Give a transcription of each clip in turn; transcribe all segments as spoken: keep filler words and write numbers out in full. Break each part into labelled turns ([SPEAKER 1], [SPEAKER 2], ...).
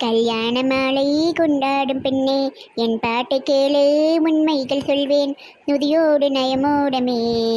[SPEAKER 1] கல்யாண மாலை கொண்டாடும் பெண்ணே, என் பாட்டை கேளு, உண்மைகள் சொல்வேன் நுதியோடு நயமோடமே.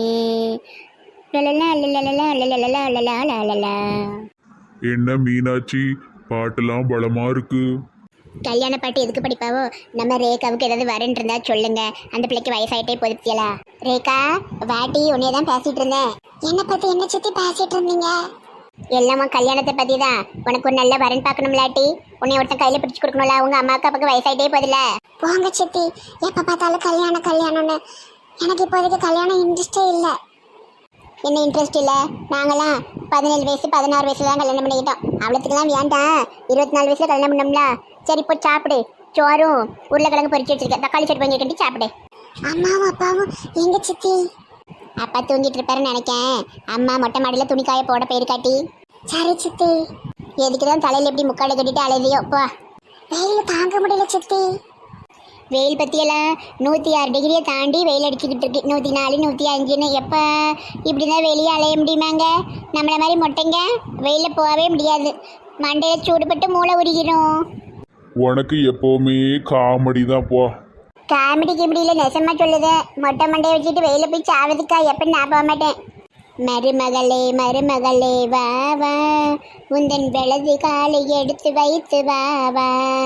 [SPEAKER 1] லலலா லலலா லலலா லலலா லலலா.
[SPEAKER 2] என்ன மீனாட்சி, பாட்டெல்லாம் பலமா இருக்கு.
[SPEAKER 1] கல்யாண பாட்டு எதுக்கு படிப்பாவோ? நம்ம ரேகாவுக்கு ஏதாவது வரேன் இருந்தா சொல்லுங்க. அந்த பிள்ளைக்கு வயசாயிட்டே போதுப்பியலா. ரேகா வாட்டி உன்னைய தான் பேசிட்டு இருந்தேன். என்ன பத்தி என்ன சுத்தி பேசிட்டு இருந்தீங்க? எல்லாமா கல்யாணத்தை பத்தி தான். உனக்கு ஒரு நல்ல வரன் பார்க்கணும்லாட்டி உன்னை ஒருத்தன் கையில பிடிச்சு கொடுக்கணும்ல. உங்க அம்மாவுக்கு அப்பாவுக்கு வயசாயிட்டே போதில்ல. போங்க சித்தி, எப்ப பார்த்தாலும் கல்யாணம் கல்யாணம்னு. எனக்கு இப்போதைக்கு கல்யாணம் இன்ட்ரெஸ்டே இல்லை. என்ன இன்ட்ரெஸ்ட் இல்லை? நாங்களாம் பதினேழு வயசு பதினாறு வயசுல தான் கல்யாணம் பண்ணிக்கிட்டோம். அவ்வளோத்துக்குலாம் வேண்டாம். இருபத்தி நாலு வயசுல கல்யாணம் பண்ணோம்ல. சரி இப்போ சாப்பிடு. சோறும் உருளைக்கிழங்கு பொரிச்சு வச்சிருக்கேன். தக்காளி சட்னி பண்ணி கட்டி சாப்பிடு. அம்மாவும் அப்பாவும் எங்க சித்தி? அப்பா தூங்கிட்டு இருப்பாருன்னு நினைக்கேன். அம்மா மொட்டை மாடியில் துணிக்காய போட போயிருக்காட்டி. சரி சித்தி. எதுக்கு தான் தலையில் எப்படி முக்காடை கட்டிட்டு அழுதியோ போ. வெயில் தாங்க முடியல சித்தி. வெயில் பற்றியெல்லாம் நூற்றி ஆறு டிகிரியை தாண்டி வெயில் அடிச்சுக்கிட்டு இருக்கு. நூற்றி நாலு நூற்றி அஞ்சுன்னு. எப்போ இப்படி தான் வெளியே அலைய முடியுமாங்க? நம்மளை மாதிரி மொட்டைங்க வெயிலில் போகவே முடியாது. மண்டையில் சூடுபட்டு மூளை உருகிடும்.
[SPEAKER 2] உனக்கு எப்பவுமே காமெடி தான் போ.
[SPEAKER 1] காமெடி கிமெடியில் நெசமா சொல்லுது. மொட்டை மண்டையை வச்சுட்டு வெயில போய் சாவதுக்கா எப்பன்னு நான் போக மாட்டேன். மருமகளே மருமகளே வா வா, உந்தன் வெளது காலை எடுத்து வைத்து வா வா.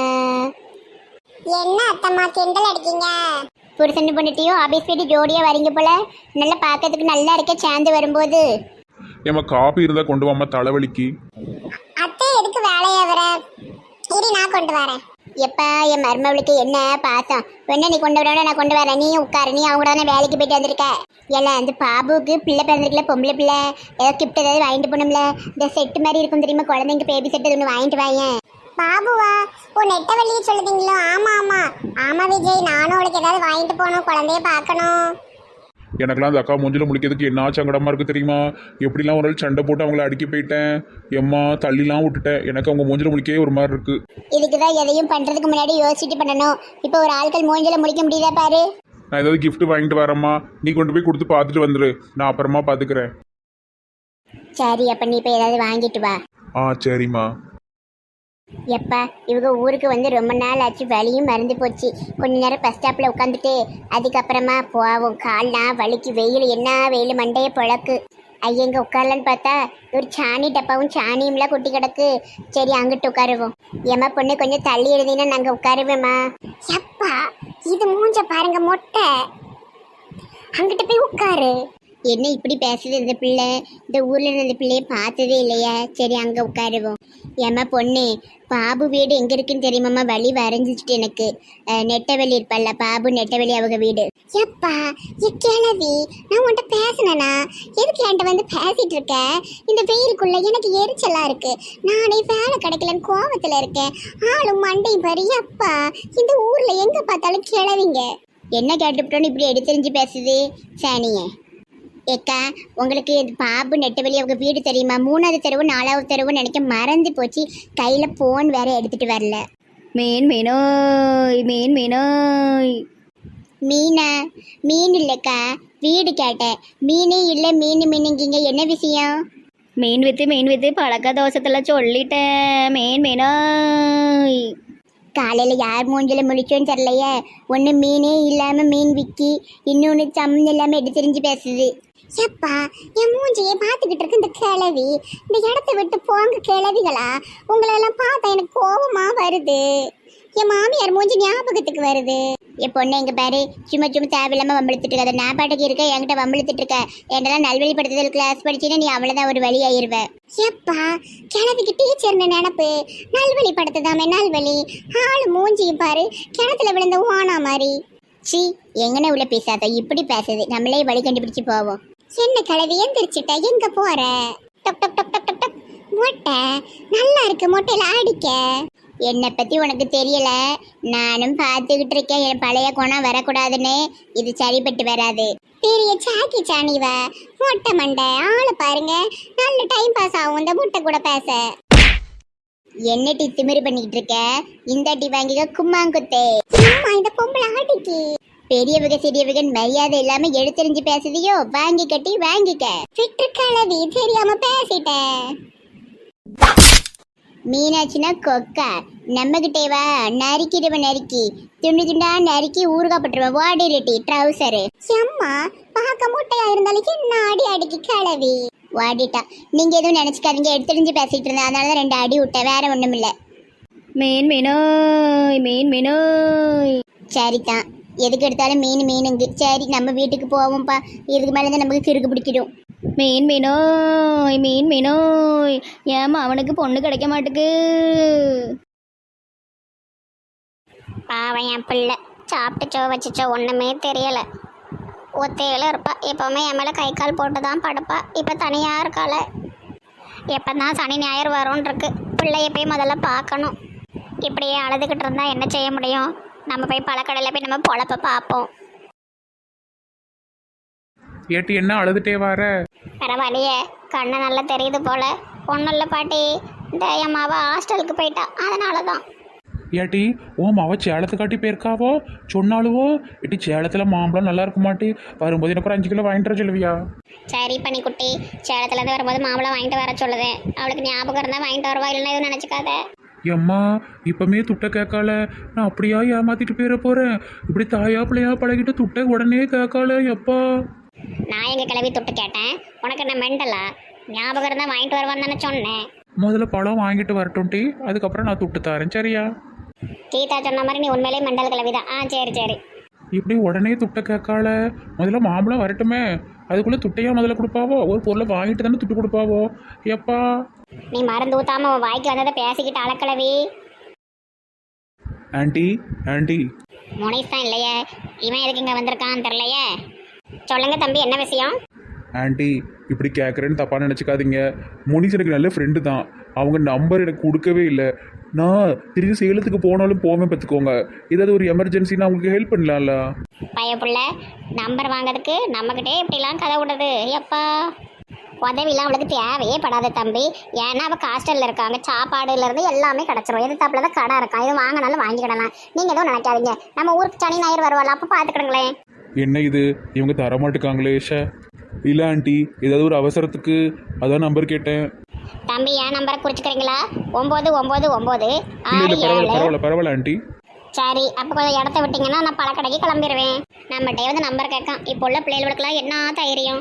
[SPEAKER 1] என்ன அத்தம்மா கிண்டல் அடிக்கீங்க? புருஷன் பொண்ணுட்டியும் ஆபீஸ் போயிட்டு ஜோடியா வரீங்க போல. நல்லா பார்க்கறதுக்கு நல்லா இருக்க சேர்ந்து வரும்போது.
[SPEAKER 2] ஏமா காபி இருந்தா கொண்டு வாமா, தலைவலிக்கு.
[SPEAKER 1] அத்தை எதுக்கு வேலையை வர? சரி நான் கொண்டு வரேன். எப்பா என் மருமவளுக்கு என்ன பாசம். என்ன நீ கொண்டு வர, நான் கொண்டு வரேன். நீ உட்காரு. நீ அவங்க தானே வேலைக்கு போயிட்டு வந்திருக்க. எல்லாம் அந்த பாபுக்கு பிள்ளை பிறந்திருக்கல, பொம்பளை பிள்ளை. ஏதோ கிஃப்ட் ஏதாவது வாங்கிட்டு போகணும்ல. இந்த செட்டு மாதிரி இருக்கும் தெரியுமா, குழந்தைங்க பேபி செட்டு ஒன்று வாங்கிட்டு வாயேன். பாபுவா? ஓ நெட்ட வழியே சொல்லுதீங்களோ? ஆமா ஆமா ஆமா விஜய், நானும் அவளுக்கு ஏதாவது வாங்கிட்டு போகணும், குழந்தைய பார்க்கணும்.
[SPEAKER 2] எனக்கெல்லாம் அந்த அக்கா மூஞ்சில முழிக்கிறதுக்கு என்ன சங்கடமா இருக்கு தெரியுமா? எப்படிலாம் ஒரு நாள் சண்டை போட்டு அவங்கள அடிக்க போயிட்டேன். எம்மா தள்ளிலாம் விட்டுட்டேன். எனக்கு அவங்க மூஞ்சில முழிக்கவே ஒரு மாதிரி இருக்கு.
[SPEAKER 1] இதுக்குதான் எதையும் பண்றதுக்கு முன்னாடி யோசிச்சுட்டு பண்ணணும். இப்போ ஒரு ஆட்கள் மூஞ்சில முழிக்க முடியுதா பாரு.
[SPEAKER 2] நான் ஏதாவது கிஃப்ட் வாங்கிட்டு வரேம்மா, நீ கொண்டு போய் கொடுத்து பார்த்துட்டு வந்துரு. நான் அப்புறமா பார்த்துக்கிறேன்.
[SPEAKER 1] சரி அப்ப நீ இப்போ ஏதாவது வாங்கிட்டு வா.
[SPEAKER 2] ஆ சரிம்மா.
[SPEAKER 1] எப்பா இவங்க ஊருக்கு வந்து ரொம்ப நாள் ஆச்சு. வலியும் மறந்து போச்சு. கொஞ்ச நேரம் பஸ் ஸ்டாப்பில் உட்காந்துட்டு அதுக்கப்புறமா போவோம். கால்லாம் வலிக்கு. வெயில் என்ன வெயில், மண்டையை பொழக்கு. ஐயங்க உட்காரலான்னு பார்த்தா ஒரு சாணி டப்பாவும் சாணியும்லாம் கொட்டி கிடக்கு. சரி அங்கிட்டு உட்காருவோம். ஏமா பொண்ணு கொஞ்சம் தள்ளி எழுதினா நாங்கள் உட்காருவேம்மா. எப்பா இது மூஞ்ச பாருங்க மொட்டை. அங்கிட்ட போய் உட்காரு. என்ன இப்படி பேசுது இந்த பிள்ளை? இந்த ஊர்ல இருந்த பிள்ளைய பார்த்ததே இல்லையா? சரி அங்க உட்காருவோம். ஏமா பொண்ணு, பாபு வீடு எங்க இருக்குன்னு தெரியுமாம்மா? வழி வரைஞ்சிட்டு எனக்கு. நெட்டவெளி இருப்பல்ல, பாபு நெட்டவெளி அவங்க வீடு. எப்பா கிளவி, நான் உன்கிட்ட பேசினேனா? எதுக்கு என்கிட்ட வந்து பேசிட்டு இருக்க? இந்த வெயிலுக்குள்ள எனக்கு எரிச்சலா இருக்கு. நானே வேலை கிடைக்கலன்னு கோவத்துல இருக்கேன். ஆளும் மண்டையும் பாரு. எப்பா இந்த ஊர்ல எங்க பார்த்தாலும் கிளவிங்க. என்ன கேட்டுவிட்டோன்னு இப்படி எடுத்தெறிஞ்சு பேசுது சாணியே. ஏக்கா உங்களுக்கு பாபு நெட்டவெளி அவங்க வீடு தெரியுமா? மூணாவது தெருவு நாலாவது தெருவுன்னு நினைக்க மறந்து போச்சு. கையில் ஃபோன் வேற எடுத்துட்டு வரல.
[SPEAKER 3] மீன் மீனோய் மீன் மீனோய்.
[SPEAKER 1] மீனா? மீன் இல்லைக்கா, வீடு கேட்டேன். மீனே இல்லை. மீன் மீனுங்கிங்க, என்ன விஷயம்?
[SPEAKER 3] மீன் வித்து மீன் வித்து பழக்க தோசத்தில் சொல்லிட்டேன். மீன் மீனோய்.
[SPEAKER 1] காலையில் யார் மூஞ்சில முழிச்சோன்னு தெரியலையே. ஒன்று மீனே இல்லாமல் மீன் விக்கி, இன்னொன்று சம்மந்தம் இல்லாமல் எடுத்து தெரிஞ்சு பேசுது. எப்பா என் மூஞ்சியை பார்த்துக்கிட்டு இருக்கு இந்த கிளவி. இந்த இடத்த விட்டு போங்க கிளவிகளா. உங்களெல்லாம் பார்த்தா எனக்கு கோபமா வருது. என் மாமியார் மூஞ்சி ஞாபகத்துக்கு வருது. என் பொண்ணு எங்க பாரு, சும்மா சும்மா தேவையில்லாம வம்பிழுத்துட்டு இருக்க. அதை நான் பாட்டுக்கு இருக்க, என்கிட்ட வம்பிழுத்துட்டு இருக்க. என்னெல்லாம் நல்வழிப்படுத்துதல் கிளாஸ் படிச்சுன்னா நீ அவ்வளோதான் ஒரு வழி ஆயிருவ. எப்பா கிணத்துக்கு டீச்சர்னு நினப்பு. நல்வழிப்படுத்துதாமே நல்வழி. ஆளு மூஞ்சியும் பாரு, கிணத்துல விழுந்த ஓனா மாதிரி. சி எங்கன்னு உள்ள பேசாத, இப்படி பேசுது. நம்மளே வழி கண்டுபிடிச்சு போவோம். என்ன கிளவி எந்திரிச்சிட்ட? எங்க போற? டொக் டொக் டொக் டொக் டொக். மொட்டை நல்லா இருக்கு, மொட்டையில அடிக்க. என்னை பத்தி உனக்கு தெரியல. நானும் பார்த்துக்கிட்டு இருக்கேன். என் பழைய குணம் வரக்கூடாதுன்னு. இது சரிப்பட்டு வராது. பெரிய சாக்கி சாணிவ மொட்டை மண்டை. ஆளை பாருங்க, நல்ல டைம் பாஸ் ஆகும் இந்த முட்டை கூட பேச. என்ன டீ திமிரு பண்ணிக்கிட்டு இருக்க? இந்த டீ வாங்கிக்க கும்மாங்குத்தே. அம்மா இந்த பொம்பளை ஆடிக்கு. பெரியவக சிறியவக மரியாதை இல்லாம எடுத்தெறிஞ்சு பேசுதியோ? வாங்கி கட்டி வாங்கிக்க. விட்டு கலவி தெரியாம பேசிட்டேன். மீனாட்சினா கொக்கா நம்ம கிட்டேவா நறுக்கிடுவ நறுக்கி துண்டு துண்டா நறுக்கி ஊறுகாப்பட்டுருவேன் வாடிரட்டி ட்ரௌசரு அம்மா பார்க்க மூட்டையா இருந்தாலும் என்ன அடி அடிக்கி கிளவி வாடிட்டா. நீங்க எதுவும் நினைச்சுக்காதீங்க, எடுத்துரிஞ்சு பேசிட்டு இருந்தேன், அதனாலதான் ரெண்டு அடி விட்டேன், வேற ஒண்ணும் இல்ல.
[SPEAKER 3] மீன் மீனோய் மீன் மீனோய்.
[SPEAKER 1] சரிதான், எதுக்கு எடுத்தாலும் மீன் மீனுங்க. சரி நம்ம வீட்டுக்கு போவோம்ப்பா, இதுக்கு மேலேதான் நமக்கு கிறுக்கு பிடிக்கிடும்.
[SPEAKER 3] மீன் மீனோய் மீன் மீனோய். ஏமா அவனுக்கு பொண்ணு கிடைக்க மாட்டுக்கு.
[SPEAKER 1] பாவன் என் பிள்ளை சாப்பிட்டுச்சோ வச்சுச்சோ ஒன்றுமே தெரியலை. ஒத்தையில இருப்பா, எப்போவுமே என் மேலே கை கால் போட்டு தான் படுப்பா. இப்போ தனியாக இருக்காள. எப்போ தான் சனி ஞாயிறு வரும்னு இருக்கு. பிள்ளைய போய் முதல்ல பார்க்கணும். இப்படியே அழுதுகிட்டு இருந்தால் என்ன செய்ய முடியும்? நம்ம போய் பழக்கடையில் போய் நம்ம பொழப்ப பார்ப்போம்.
[SPEAKER 2] ஏட்டி என்ன அழுதுட்டே வர?
[SPEAKER 1] பரவாயில்லையே, கண்ணு நல்லா தெரியுது போல. ஒன்றும் இல்லை பாட்டி, இந்த என் மாவ ஹாஸ்டலுக்கு போயிட்டா, அதனால தான்.
[SPEAKER 2] ஏட்டி ஓ மாவ சேலத்தை காட்டி போயிருக்காவோ சொன்னாலுவோ? ஏட்டி சேலத்தில் மாம்பழம் நல்லா இருக்க மாட்டி, வரும்போது எனக்கு ஒரு அஞ்சு கிலோ வாங்கிட்டு வர சொல்லுவியா?
[SPEAKER 1] சரி பண்ணி குட்டி, சேலத்துலேருந்து வரும்போது மாம்பழம் வாங்கிட்டு வர சொல்லுதேன். அவளுக்கு ஞாபகம் இருந்தால் வாங்கிட்டு வருவா, இல்லைன்னா எதுவும் நினச்சிக்காத.
[SPEAKER 2] எம்மா இப்பமே துட்டை கேட்கால, நான் அப்படியா ஏமாத்திட்டு போயிட போகிறேன். இப்படி தாயா பிள்ளையா பழகிட்டு துட்டை உடனே கேட்கால. எப்பா
[SPEAKER 1] நான் எங்கள் கிளவி தொட்டு கேட்டேன், உனக்கு என்ன மெண்டலா? ஞாபகம் இருந்தால் வாங்கிட்டு வருவான்னு தானே சொன்னேன்.
[SPEAKER 2] முதல்ல பழம் வாங்கிட்டு வரட்டும் டி, அதுக்கப்புறம் நான் துட்டு தரேன் சரியா?
[SPEAKER 1] கீதா சொன்ன மாதிரி நீ உண்மையிலே மெண்டல் கிளவி தான். ஆ சரி சரி.
[SPEAKER 2] இப்படி உடனே துட்டை கேட்கால, முதல்ல மாம்பழம் வரட்டுமே, அதுக்குள்ளே துட்டையா முதல்ல கொடுப்பாவோ? ஒரு பொருளை வாங்கிட்டு தானே துட்டு கொடுப்பாவோ? எப்பா
[SPEAKER 1] நீ மருந்து ஊத்தாம உன் வாய்க்கு வந்ததை பேசிக்கிட்டு அழக்கிழவி.
[SPEAKER 2] Aunty aunty.
[SPEAKER 1] முனைஸ் தான் இல்லையே, இவன் எதுக்கு இங்கே வந்திருக்கான்னு தெரியலையே. சொல்லுங்க தம்பி, என்ன விஷயம்?
[SPEAKER 2] ஆண்டி இப்படி கேட்குறேன்னு தப்பாக நினச்சிக்காதீங்க. முனிஸ் எனக்கு நல்ல ஃப்ரெண்டு தான், அவங்க நம்பர் எனக்கு கொடுக்கவே இல்லை. நான் திரும்பி சேலத்துக்கு போனாலும் போவேன் பார்த்துக்கோங்க. ஏதாவது ஒரு எமர்ஜென்சின்னா அவங்களுக்கு ஹெல்ப் பண்ணலாம்ல.
[SPEAKER 1] பயப்புள்ள நம்பர் வாங்கிறதுக்கு நம்மக்கிட்டே இப்படிலாம் கதை விடுறது. எப்பா உதவிலாம் அவளுக்கு தேவையே படாது தம்பி. ஏன்னா அவள் ஹாஸ்டலில் இருக்காங்க, சாப்பாடுலேருந்து எல்லாமே கிடச்சிரும். எதிர்த்தாப்புல தான் கடை இருக்கான், இது வாங்கினாலும் வாங்கிக்கிடலாம். நீங்கள் எதுவும் நினைக்காதீங்க, நம்ம ஊருக்கு சனி ஞாயிறு வருவாள், அப்போ பார்த்துக்கிடுங்களேன்.
[SPEAKER 2] என்ன இது இவங்க தரமாட்டுக்காங்களே ஷே. இல்லை ஆண்டி, ஏதாவது ஒரு அவசரத்துக்கு அதான் நம்பர் கேட்டேன்.
[SPEAKER 1] தம்பி என் நம்பரை குறிச்சுக்கிறீங்களா? ஒம்பது ஒம்பது ஒம்பது
[SPEAKER 2] இல்லை
[SPEAKER 1] ஆறு
[SPEAKER 2] இல்லை பரவாயில்ல
[SPEAKER 1] ஏழு.
[SPEAKER 2] பரவாயில்ல பரவாயில்ல ஆண்டி.
[SPEAKER 1] சரி, அப்போ கொஞ்சம் இடத்த விட்டீங்கன்னா நான் பழக்கடைக்கு கிளம்பிடுவேன். நம்மகிட்டே வந்து நம்பர் கேட்கான். இப்போ உள்ள பிள்ளைகளுக்கெல்லாம் என்ன தைரியம்?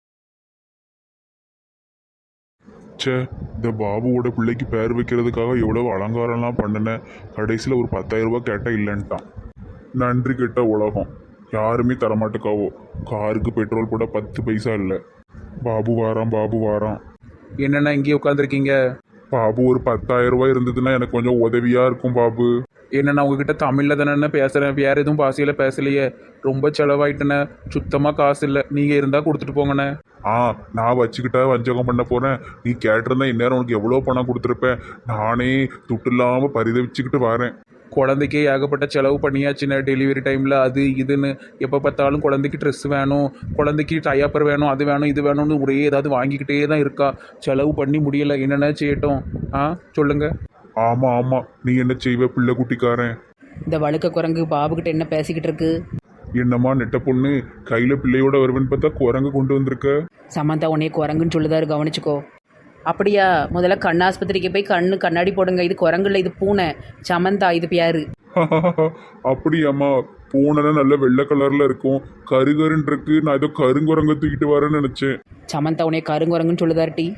[SPEAKER 4] சே, இந்த பாபுவோட பிள்ளைக்கு பேர் வைக்கிறதுக்காக எவ்வளோ அலங்காரம்லாம் பண்ணினேன். கடைசியில் ஒரு பத்தாயிரம் ரூபாய் கேட்டால் இல்லைன்ட்டான். நன்றி கெட்ட உலகம், யாருமே தரமாட்டுக்காவோ. காருக்கு பெட்ரோல் போட பத்து பைசா இல்லை. பாபு வாரான் பாபு வாரான்.
[SPEAKER 2] என்னென்னா இங்கேயே உட்காந்துருக்கீங்க?
[SPEAKER 4] பாபு ஒரு பத்தாயிரம் ரூபாய் இருந்ததுன்னா எனக்கு கொஞ்சம் உதவியாக இருக்கும் பாபு.
[SPEAKER 2] என்னென்னா உங்ககிட்ட தமிழில் தானே பேசுகிறேன், வேறு எதுவும் பாசையில் பேசலையே. ரொம்ப செலவாயிட்டேண்ணே, சுத்தமாக காசு இல்லை. நீங்கள் இருந்தால் கொடுத்துட்டு போங்கண்ணே.
[SPEAKER 4] ஆ, நான் வச்சுக்கிட்டா வஞ்சகம் பண்ண போகிறேன். நீ கேட்டிருந்தா இந்நேரம் உனக்கு எவ்வளோ பணம் கொடுத்துருப்பேன். நானே துட்டு இல்லாமல் பரிதவிச்சுக்கிட்டு வரேன்.
[SPEAKER 2] குழந்தைக்கே ஏகப்பட்ட செலவு பண்ணியாச்சுண்ணே, டெலிவரி டைமில் அது இதுன்னு. எப்போ பார்த்தாலும் குழந்தைக்கு ட்ரெஸ் வேணும், குழந்தைக்கு டயப்பர் வேணும், அது வேணும் இது வேணும்னு ஒரே ஏதாவது வாங்கிக்கிட்டே தான் இருக்கா. செலவு பண்ணி முடியலை, என்னென்ன செய்யட்டும்? ஆ சொல்லுங்கள்.
[SPEAKER 4] ஆமாம் ஆமாம், நீ என்ன செய்வ பிள்ளை குட்டிக்காரன்?
[SPEAKER 5] இந்த வழுக்க குரங்கு பாபுக்கிட்ட என்ன பேசிக்கிட்டு இருக்கு?
[SPEAKER 4] என்னம்மா நெட்ட பொண்ணு, கையில் பிள்ளையோட வருவேன்னு பார்த்தா குரங்கு கொண்டு வந்திருக்க.
[SPEAKER 5] சமந்தா உன்னைய குரங்குன்னு சொல்லுதாரு, கவனிச்சுக்கோ. அப்படியா? முதல்ல கண் ஆஸ்பத்திரிக்கு போய் கண்ணு கண்ணாடி போடுங்க. இது குரங்குல, இது பூனை. சமந்தா இது பேரு.
[SPEAKER 4] அப்படியாம்மா? பூனைனா நல்ல வெள்ளை கலர்ல இருக்கும், கருகருன்னு இருக்கு. நான் ஏதோ கருங்குரங்க தூக்கிட்டு வரேன்னு நினைச்சேன்.
[SPEAKER 5] சமந்தா உன்னைய கருங்குரங்குன்னு சொல்லுதாரு டி.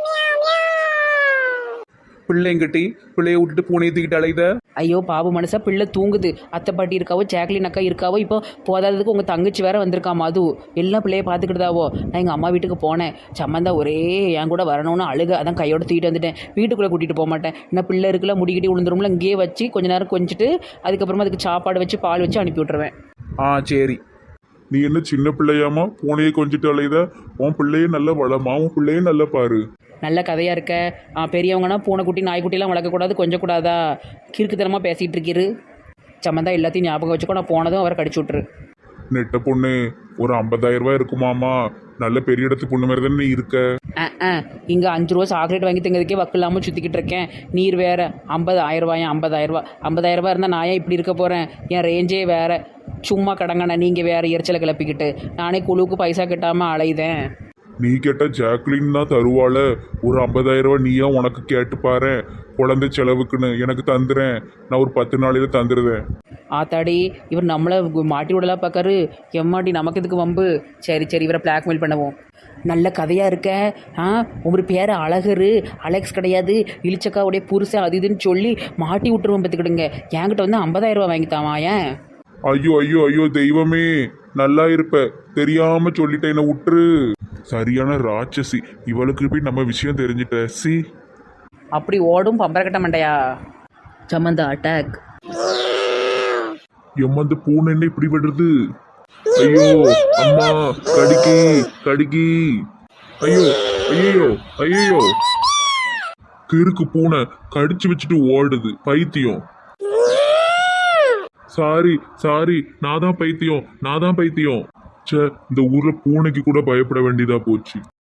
[SPEAKER 2] பிள்ளைங்கிட்டி பிள்ளைய விட்டுட்டு பூனையை தூக்கிட்டு அலையுத.
[SPEAKER 5] ஐயோ பாபு மனசா, பிள்ளை தூங்குது. அத்தை பாட்டி இருக்காவோ, ஜாக்லின் அக்கா இருக்காவோ. இப்போ போதாததுக்கு உங்கள் தங்கச்சி வேற வந்திருக்கா மது. எல்லாம் பிள்ளைய பார்த்துக்கிட்டுதாவோ. நான் எங்கள் அம்மா வீட்டுக்கு போனேன். சம்மந்தா ஒரே என் கூட வரணும்னு அழுக, அதான் கையோட தூக்கிட்டு வந்துட்டேன். வீட்டுக்குள்ளே கூட்டிகிட்டு போக மாட்டேன். இன்னும் பிள்ளை இருக்குல்ல, முடிக்கிட்டே விழுந்துரும்ல, இங்கேயே வச்சு கொஞ்ச நேரம் கொஞ்சிட்டு அதுக்கப்புறமா அதுக்கு சாப்பாடு வச்சு பால் வச்சு அனுப்பி விட்ருவேன்.
[SPEAKER 2] ஆ சரி.
[SPEAKER 4] நீ என்ன சின்ன பிள்ளையாமா பூனையை கொஞ்சிட்டு அலையுத? உன் பிள்ளையே நல்ல வளமா, உன் பிள்ளையே நல்ல பாரு.
[SPEAKER 5] நல்ல கதையாக இருக்க. பெரியவங்கன்னா பூனைக்குட்டி நாய்க்குட்டிலாம் வளர்க்கக்கூடாது, கொஞ்சம் கூடாதா? கிறுக்குத்தனமாக பேசிகிட்டு இருக்கிறு. சம்மந்தா எல்லாத்தையும் ஞாபகம் வச்சுக்கோ. நான் போனதும் அவரை கடிச்சு விட்ரு.
[SPEAKER 4] நெட்ட பொண்ணு, ஒரு ஐம்பதாயிரம் ரூபாய் இருக்குமாமா? நல்ல பெரிய இடத்து பொண்ணு மாதிரி தானே நீ இருக்க.
[SPEAKER 5] ஆ ஆ இங்கே அஞ்சு ரூபா சாக்லேட் வாங்கி தங்கிறதுக்கே வக்கு இல்லாமல் சுற்றிக்கிட்டு இருக்கேன். நீர் வேறு ஐம்பது ஆயிரம் ரூபாயா? ஐம்பதாயிரம் ரூபா ஐம்பதாயிரம் ரூபா இருந்தால் நான் ஏன் இப்படி இருக்க போகிறேன்? என் ரேஞ்சே வேறு. சும்மா கடங்கண்ணா, நீங்கள் வேறு எரிச்சலை கிளப்பிக்கிட்டு. நானே குழுவுக்கு பைசா கட்டாமல் அலையுதேன்.
[SPEAKER 4] நீ கேட்ட ஜாக்லின் தான் தருவாள. ஒரு ஐம்பதாயிரம் ரூபாய் நீயா உனக்கு கேட்டு பாரு. குழந்தை செலவுக்குன்னு எனக்கு தந்துறேன், நான் ஒரு பத்து நாளையில தந்துடுறேன்.
[SPEAKER 5] ஆத்தாடி இவர் நம்மளை மாட்டி விடலாம் பார்க்காரு. எம்மாடி நமக்கு இதுக்கு வம்பு. சரி சரி இவரை பிளாக்மெயில் பண்ணுவோம். நல்ல கதையாக இருக்க. ஆ உங்கள் பேர் அழகரு, அலெக்ஸ் கிடையாது, இளிச்சக்காவுடைய புருஷன் அது இதுன்னு சொல்லி மாட்டி விட்டுருவோம் பார்த்துக்கிடுங்க. என்கிட்ட வந்து ஐம்பதாயிரம் ரூபா வாங்கித்தாமா ஏன்?
[SPEAKER 4] ஐயோ ஐயோ ஐயோ தெய்வமே, நல்லா இருப்ப, தெரியாம சொல்லிட்டேன், என்ன விட்டுரு. சரியான ராட்சசி, இவளுக்கு போய் நம்ம விஷயம் தெரிஞ்சிட்ட. சி
[SPEAKER 5] அப்படி ஓடும் பம்பரக்கட்ட மண்டையா. சம்மந்தா அட்டாக்.
[SPEAKER 4] எம்மந்த பூனை என்ன இப்படி விடுறது? ஐயோ அம்மா, கடிக்கி கடிக்கி. ஐயோ ஐயோ ஐயோ, கிறுக்கு பூனை கடிச்சு வச்சுட்டு ஓடுது, பைத்தியம். சாரி சாரி, நான் தான் பைத்தியம், நான் தான் பைத்தியம். ச்சே, இந்த ஊர்ல பூனைக்கு கூட பயப்பட வேண்டியதா போச்சு.